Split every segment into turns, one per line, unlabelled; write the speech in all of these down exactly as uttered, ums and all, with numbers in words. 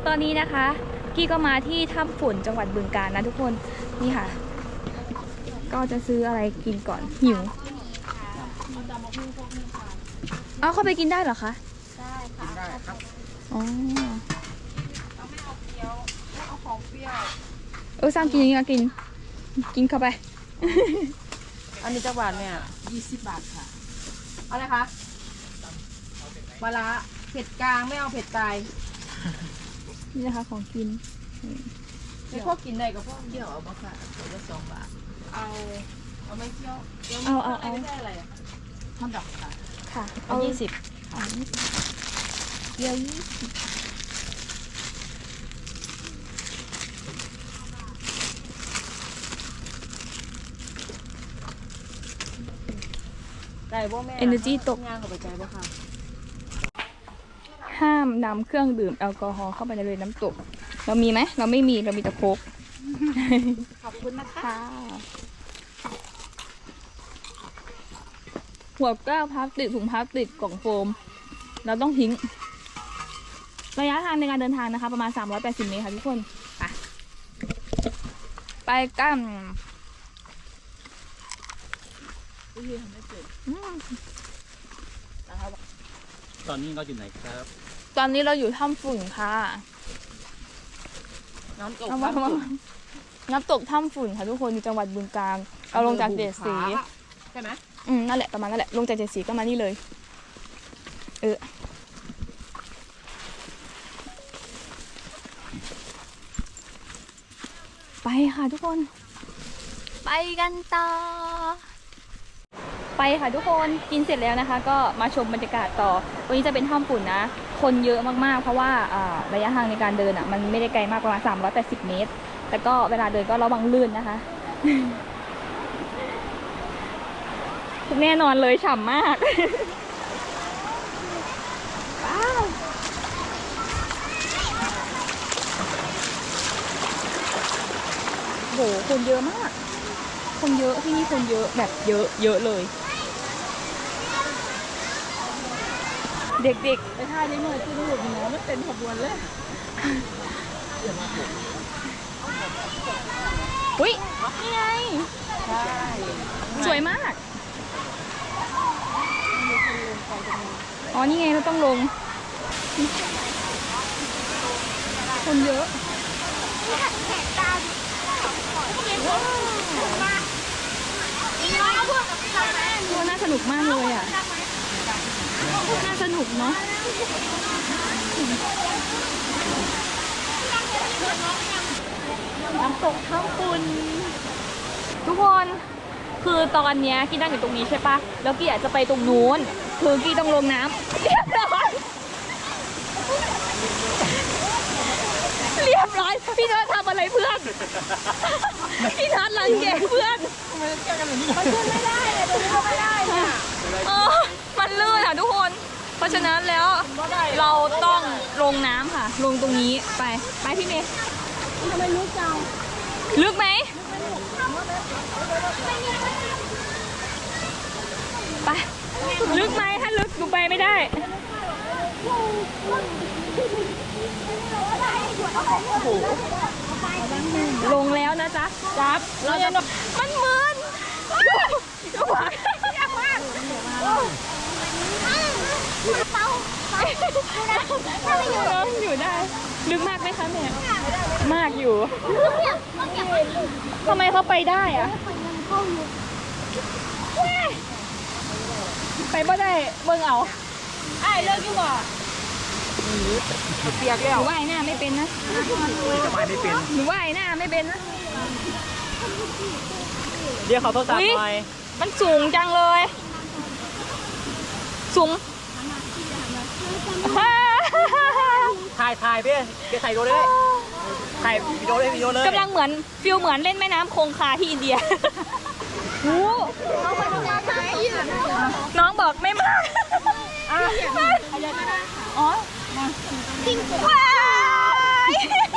ตอนนี้นะคะกี้ก็มาที่ถ้ำฝนจังหวัดบึงกาฬนะทุกคนนี่ค่ะก็จะซื้ออะไรกินก่อนหิวเอาเข้าไปกินได้เหรอคะ
ได้ค่ะได้ครับ
อ๋อ
เราไม่เอาเคี้ยวไม่เอาของเปรี้ยว
เออสร้างกินอย่างนี้ก็กินกินเข้าไป
อันนี้จักบาทเนี่ยยี่สิบบาทค่ะเอาเลยคะปลาร้าเผ็ดกลางไม่เอาเผ็ดตาย
นี่นะคะของกิน
ไม่พวกกินได้กับพวกเคี่ยวเอาบ้างค่ะเดี๋ยวจะสองบาทเอาเอาไม่เคี่ยว
เอาเอาเอา
ไม่ได้อะไรทำดอกค่ะ
ค่ะ
เอายี่สิบ
เอายี่สิบเดียวยี่สิบ
ได้บ่แม่
Energy ตก
งานเข้าไปใจบ่ค่ะ
ห้ามนำเครื่องดื่มแอลกอฮอล์เข้าไปในเรือน้ำตกเรามีไหมเราไม่มีเรามีแต่โค้ก
ขอบคุณนะคะ
หัวแก้วพลาสติกถุงพลาสติกกล่องโฟมเราต้องทิ้งระยะทางในการเดินทางนะคะประมาณสามร้อยแปดสิบเมตรค่ะทุกคนไปไปกัน
ตอนนี้เราอยู่ไหนครับ
ตอนนี้เราอยู่ถ้ำฝุ่นค่ะ
น้ำตก
น้ำตกถ้ำฝุ่นค่ะทุกคนอยู่จังหวัดบึงกาฬเราลงจากเจ็ดสี
ใช่ไหม
อืมนั่นแหละประมาณนั่นแหละลงจากเจ็ดสีก็มานี่เลยเออไปค่ะทุกคนไปกันต่อไปค่ะทุกคนกินเสร็จแล้วนะคะก็มาชมบรรยากาศต่อวันนี้จะเป็นถ้ำฝุ่นนะคนเยอะมากๆเพราะว่าระยะทางในการเดินอ่ะมันไม่ได้ไกลมากประมาณสามร้อยแปดสิบเมตรแต่ก็เวลาเดินก็ระวังลื่นนะคะแน่นอนเลยฉ่ำมากว้าวโหคนเยอะมากคนเยอะที่นี่คนเยอะแบบเยอะเยอะเลยเด็กๆไปท่านี้หน่อยที่นู่นเนาะไม่เป็นขบวนเลยอุ้ยนี่ไงสวยมากอ๋อนี่ไงเราต้องลงคนเยอะน่าสนุกมากเลยอ่ะน่าสนุกเนาะน้ำตกถ้ำฝุ่นทุกคนคือตอนนี้กี้นั่งอยู่ตรงนี้ใช่ปะแล้วกี้อยากจะไปตรงนู้นคือกี้ต้องลงน้ำเรียบร้อยเรียบร้อยพี่เนิร์ดทำอะไรเพื่อนพี่เนิร์ดรังแกเพื่อน
มันขึ้นไม่ได้เลยตรงนี้ก็ไม่ได้เนี่ย
เออมันลื่นค่ะทุกคนเพราะฉะนั้นแล้วเราต้องลงน้ำค่ะลงตรงนี้ไปไปพี่เมย์
ทำไมลึกจัง
ลึกไหมไปลึกไหมถ้าลึกหนูไปไม่ได้ลงแล้วนะจ๊ะจับเราจะมันมึนดูหวานอยู่ได้ลึกมากไหมคะแม่มากอยู่ทำไมเขาไปได้อะไปบ่ได้เบิ่งเอาไอ้เลิกดีกว่า
เปียกแล้ว
หนูว่ายหน้าไม่เป็นนะ
จะว่ายไม่เป็น
หนูว่ายหน้าไม่เป็นนะ
เรียกเขาโทรศัพท์หน่อย
มันสูงจังเลยสูง
ถ่ายถ่ายเพี่เดี๋ยวถ่ายวิดีโอเลยถ่ายวิดีโอเลยวิดีโอเลย
กำลังเหมือนฟิลเหมือนเล่นแม่น้ำคงคาที่อินเดียโอ้น้องมาทำงานไหมน้องบอกไม่มาอ๋อจริงว้าย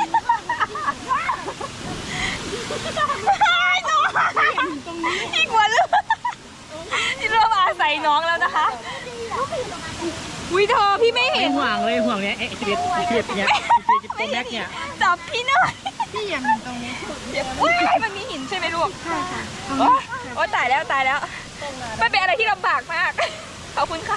น้องอีกวันเลยที่เริ่มอาศัยน้องแล้วนะคะวิเธอพี่ไม่เห็น
ห่วงเลยห่วงเนี้ยเอ๊ะชีวิตชีวิตเนี้ยชีวิตแม็กเนี่ย
จับพี่หน่อย
พี่อย่ามีตรงนี้
อุ้ยมันมีหินใช่ไหมลูกใช่ค่ะโอ้ตายแล้วตายแล้วมันเป็นอะไรที่ลำบากมาก ขอบคุณค่ะ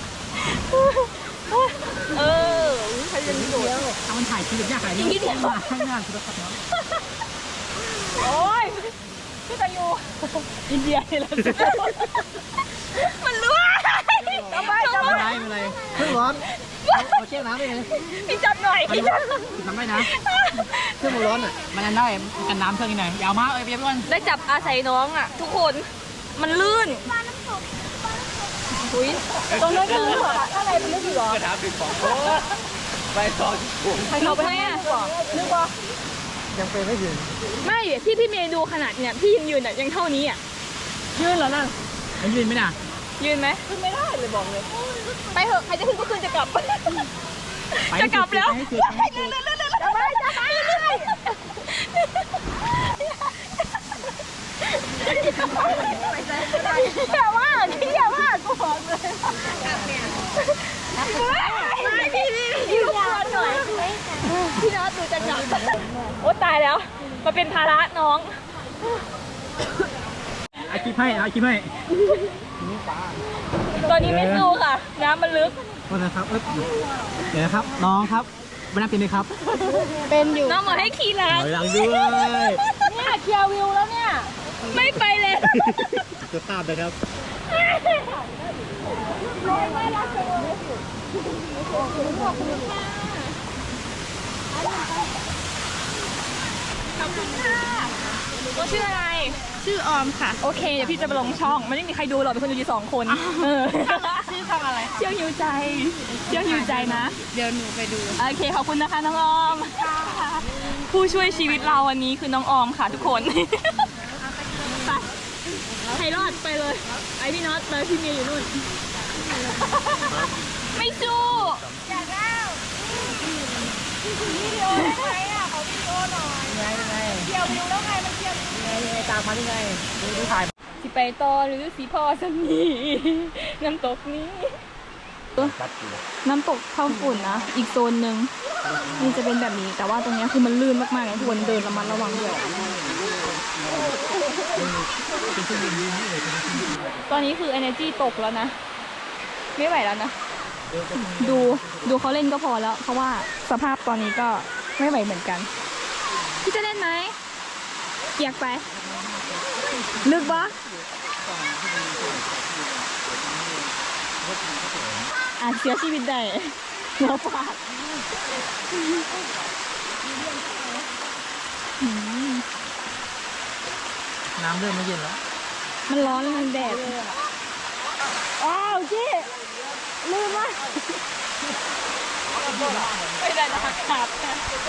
เออใครจะมีโดด
เอามันถ่ายคลิปยากถ่าย
อีกนิดเดียว
ข้างหน้าสุดครับน้อง
โอ้ยพี่ตายู
อินเดียนี่แหละ
มันรั่วทำไมทำไม
ไม่เป็นไรเครื่องร้อนเอาเชี่ยวน้ำไปเลย
พี่จับหน่อยพี่จับ
ทำได้นะเครื่องมันร้อนอ่ะมันจะได้กันน้ำเครื่องนี้หน่อยยาวมากเอ้ยเบี้ยก่อน
ได้จับอาศัยน้องอ่ะ ทุกคนมันลื่นอุ้ยตรงนั้นคืออะไรเป็นลื่นหรอก
ระถางปิดของไปต่อที่ผม
ใครเขาไปให้อ่ะนึกว่า
ยังเป็นไม่ถึง
ไม่ที่พี่เมย์ดูขนาดเนี่ยพี่ยังยืนอ่ะยังเท่านี้อ่ะ
ยืนแล้วนั่นมันยืนไหมน่ะ
ยืนไหมขึ้นไม่ได้เลยบอกเลยไปเถอะใครจะขึ้นก็ขึ้นจะกลับ จะกลับแล้ว
ให้สุดให้สุด
จะไปจะไปอย่าว่าพี่อย่าว่ากูบอกเลยไม่พี่พี่พี่ลูกบอลหน่อยพี่น็อตดูจะกลับโอ้ตายแล้วมาเป็นภาระน้อง
อาคิดให้อาคิดให้
ตอนนี้ไม่สู้ค่ะน้ำมันลึก
วันนะครับเอ๊บเดี๋ยวนะครับน้องครับไม่น่าเป็นเลยครับ
เป็นอยู่
น้องมาให้ขี่ล้าง
ถอยหลังด้วย
เนี่ยเคลียร์วิวแล้วเนี่ย
ไม่ไปเลย
จะตามนะครับ
ขอบคุณค่ะตัวชื่ออะไร
ชื่อออมค่ะ
โอเค เดี๋ยวพี่จะไปลงช่อง ไม่ได้มีใครดูหรอกเป็นคนดูอยู่สองคนเออ
ชื่อทำอะไร
เชี่ยวหิวใจ เชี่ยวหิวใจนะ
เดี๋ยวหนูไปดู
โอเค ขอบคุณนะคะน้องออม ผู้ช่วยชีวิตเราวันนี้คือน้องออมค่ะทุกคน ไปใครรอดไปเลย ไอพี่น็อตไปพี่เมย์อยู่นู่น ไม่สู้อยากแล้ววิดีโอได้ไหมอ่ะขอวิดีโอหน่อย
ยังไงยังไง
เกี่ยววิวแล้วไงมันเกี่ยว
ยังไงยังไงตามมายังไงดูดูถ่าย
สิไปต่อหรือสิพ่อสมีน้ำตกนี้ น้ำตกข้าวฝุ่นนะ อีกโซนหนึ่งนี่จะเป็นแบบนี้ แต่ว่าตรงนี้คือมันลื่นมากๆนะทุกคนเดินระมัดระวังด้วยตอนนี้คือ energy ตกแล้วนะ ไม่ไหวแล้วนะ ดูดูเขาเล่นก็พอแล้ว เพราะว่าสภาพตอนนี้ก็ไม่ไหวเหมือนกัน พี่จะเล่นไหมอยากไป ลึกปะอาจเสียชีวิตได้หัวฟาดอืม
น้ำเริ่มไม่เย็นแล้ว
มันร้อนแล้วมันแดดอ้าวเจ๊ลืมว่ะไม่ได้นะขาด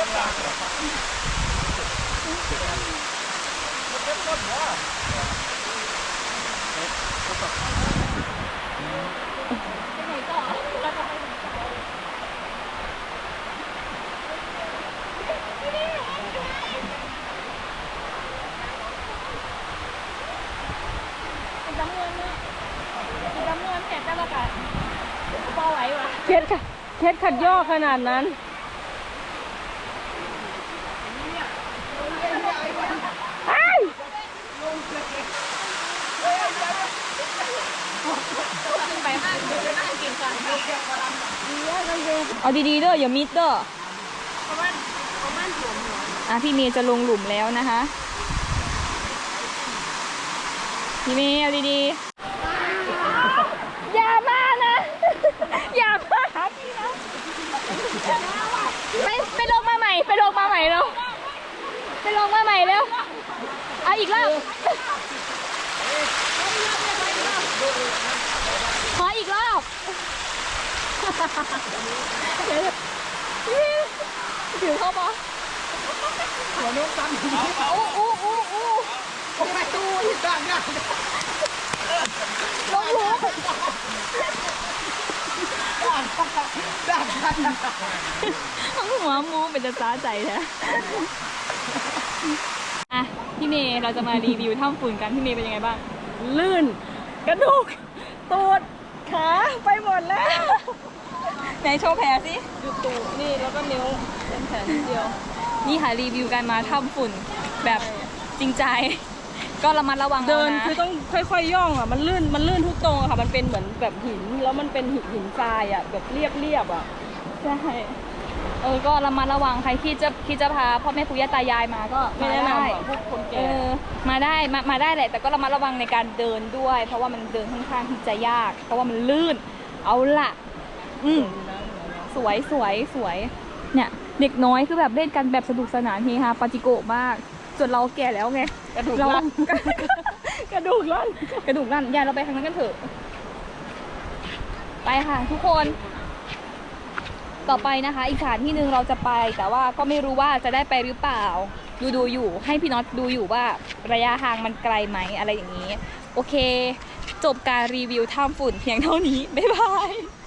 จำนวนเนี่ยจำนวนแค่แต่ละกันพอไหววะ
เคสค่ะเคสขัดย่อขนาดนั้น
ไปมากกินกันเอาดีๆเด้ออย่ามิดเด้ออ่ะพี่เมย์จะลงหลุมแล้วนะคะพี่เมย์เอาดีๆอย่ามานะอย่ามาหาพี่นะไปไปลงมาใหม่ไปลงมาใหม่เร็วไปลงมาใหม่เร็วเอาอีกรอบขออีกรอบถือเข้าปะหัวโน้มตั้มอู้อู้อู้อู้โอ้ยตู้ดังดังลงหัวทั้งหัวมูเป็นจะซ้าใจแท้อ่ะพี่เมย์เราจะมารีวิวถ้ำฝุ่นกันพี่เมย์เป็นยังไงบ้าง
ลื่น กระดูกตูดขาไปหมดแล้ว
ไหนโชว์แผลสิ
อยู่ตูดนี่แล้วก็นิ้วเป็นแผลนิดเดียว
นี่ค่ะรีวิวการมาถ้ำฝุ่นแบบจริงใจ ก็ระมัดระวัง
เดิน
อาะ
คือต้องค่อยๆย่องอ่ะมันลื่นมันลื่นทุกตรงอะค่ะ มันเป็นเหมือนแบบหินแล้วมันเป็นหินหินทรายอ่ะแบบเรียบเรียบๆอ่ะ
ใช่เออก็ระมัดระวังใครที่จะคิดจะพาพ่อแม่ปู่ย่าตายายมาก็
ไม่
มา
แนะ
ได้
นำอ่ะพวกคน
เอ
แก่
อมาได้มามาได้แหละ แต่ก็ระมัดระวังในการเดินด้วย เพราะว่ามันเดินค่อนข้างที่จะยาก เพราะว่ามันลื่นเอาละอืมสวยสวยสวยเนี่ยเด็กน้อยคือแบบเล่นกันแบบสนุกสนานเฮฮาปาจิโกะมากส่วนเราแก่แล้วไง
กระดูก
เรา
ลั่น กระดูกลั่น
กระดูกลั่นยายเราไปทางนั้นกันเถอะ ไปค่ะทุกคน ต่อไปนะคะ อีกสถานที่หนึ่งเราจะไป แต่ว่าก็ไม่รู้ว่าจะได้ไปหรือเปล่า ดูดูอยู่ ให้พี่น็อตดูอยู่ว่าระยะทางมันไกลไหมอะไรอย่างนี้ โอเค จบการรีวิวถ้ำฝุ่นเพียงเท่านี้ บ๊ายบาย